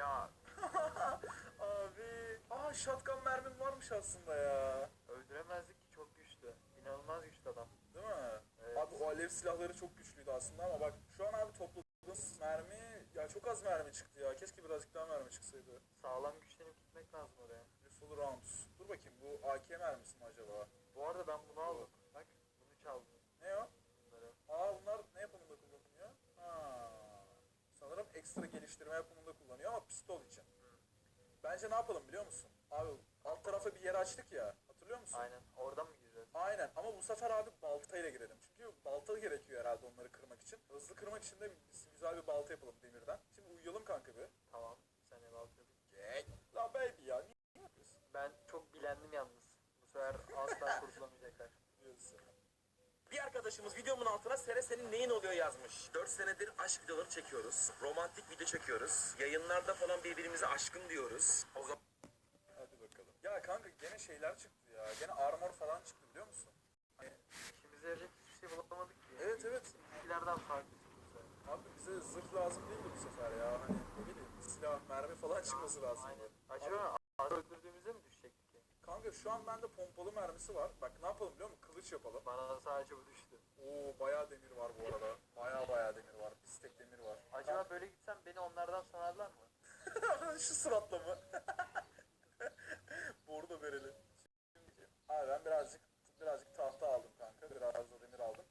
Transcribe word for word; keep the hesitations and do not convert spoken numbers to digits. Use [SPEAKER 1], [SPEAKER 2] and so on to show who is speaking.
[SPEAKER 1] Ya
[SPEAKER 2] Abi. Aa shotgun mermim varmış aslında ya.
[SPEAKER 1] öldüremezdik ki, çok güçlü. İnanılmaz güçlü adam.
[SPEAKER 2] Değil mi?
[SPEAKER 1] Evet.
[SPEAKER 2] Abi o alev silahları çok güçlüydü aslında ama bak şu an abi topladığımız mermi ya çok az mermi çıktı ya. Keşke birazcık daha mermi çıksaydı.
[SPEAKER 1] Sağlam güçlenip gitmek lazım oraya.
[SPEAKER 2] Full rounds. Dur bakayım bu A K mermisi mi acaba?
[SPEAKER 1] Bu arada ben bunu aldım. Bak, bunu çaldım.
[SPEAKER 2] Ne o?
[SPEAKER 1] Bunları.
[SPEAKER 2] Aa bunlar ne yapımında kullanılıyor? Ha. Sanırım ekstra geliştirme yapımında kullanıyor ama pistol için. Bence ne yapalım biliyor musun? Abi alt tarafa bir yer açtık ya. Hatırlıyor musun?
[SPEAKER 1] Aynen. Oradan mı gireceğiz?
[SPEAKER 2] Aynen ama bu sefer abi baltayla girelim. Çünkü balta gerekiyor herhalde onları kırmak için. Hızlı kırmak için de biz güzel bir balta yapalım demirden. Şimdi uyuyalım kanka bir.
[SPEAKER 1] Tamam. Sen ev al çabuk.
[SPEAKER 2] Gel. La baby ya niye yapıyorsun?
[SPEAKER 1] Ben çok bilendim yalnız. Bu sefer asla kurtulamayacaklar.
[SPEAKER 2] Biliyorsun.
[SPEAKER 3] Bir arkadaşımız videomun altına Sere senin neyin oluyor yazmış. Dört senedir aşk videoları çekiyoruz. Romantik video çekiyoruz. Yayınlarda falan birbirimize aşkın diyoruz. O zaman
[SPEAKER 2] Hadi bakalım. Ya kanka gene şeyler çıktı ya. Gene armor falan çıktı biliyor musun? Hani,
[SPEAKER 1] İşimize yarayacak hiçbir şey bulamadık ki.
[SPEAKER 2] evet evet.
[SPEAKER 1] İlkilerden farklı çıktı bu sefer.
[SPEAKER 2] Abi bize zırh lazım değildi bu sefer ya. Hani ne bileyim silah, mermi falan çıkması lazım.
[SPEAKER 1] Aynen. Acaba ağrı öldürdüğümüzde mi düşecektik ki?
[SPEAKER 2] Kanka şu an bende pompalı mermisi var. Bak ne yapalım biliyor musun? Kılıç yapalım.
[SPEAKER 1] Bana sadece bu düştü.
[SPEAKER 2] Oo bayağı demir var bu arada. Bayağı bayağı demir var. Bir stek demir var.
[SPEAKER 1] Acaba böyle gitsem beni onlardan sanarlar mı?
[SPEAKER 2] Şu suratla mı? Bordo verelim. Şimdi abi ben birazcık birazcık tahta aldım kanka. Biraz da demir aldım.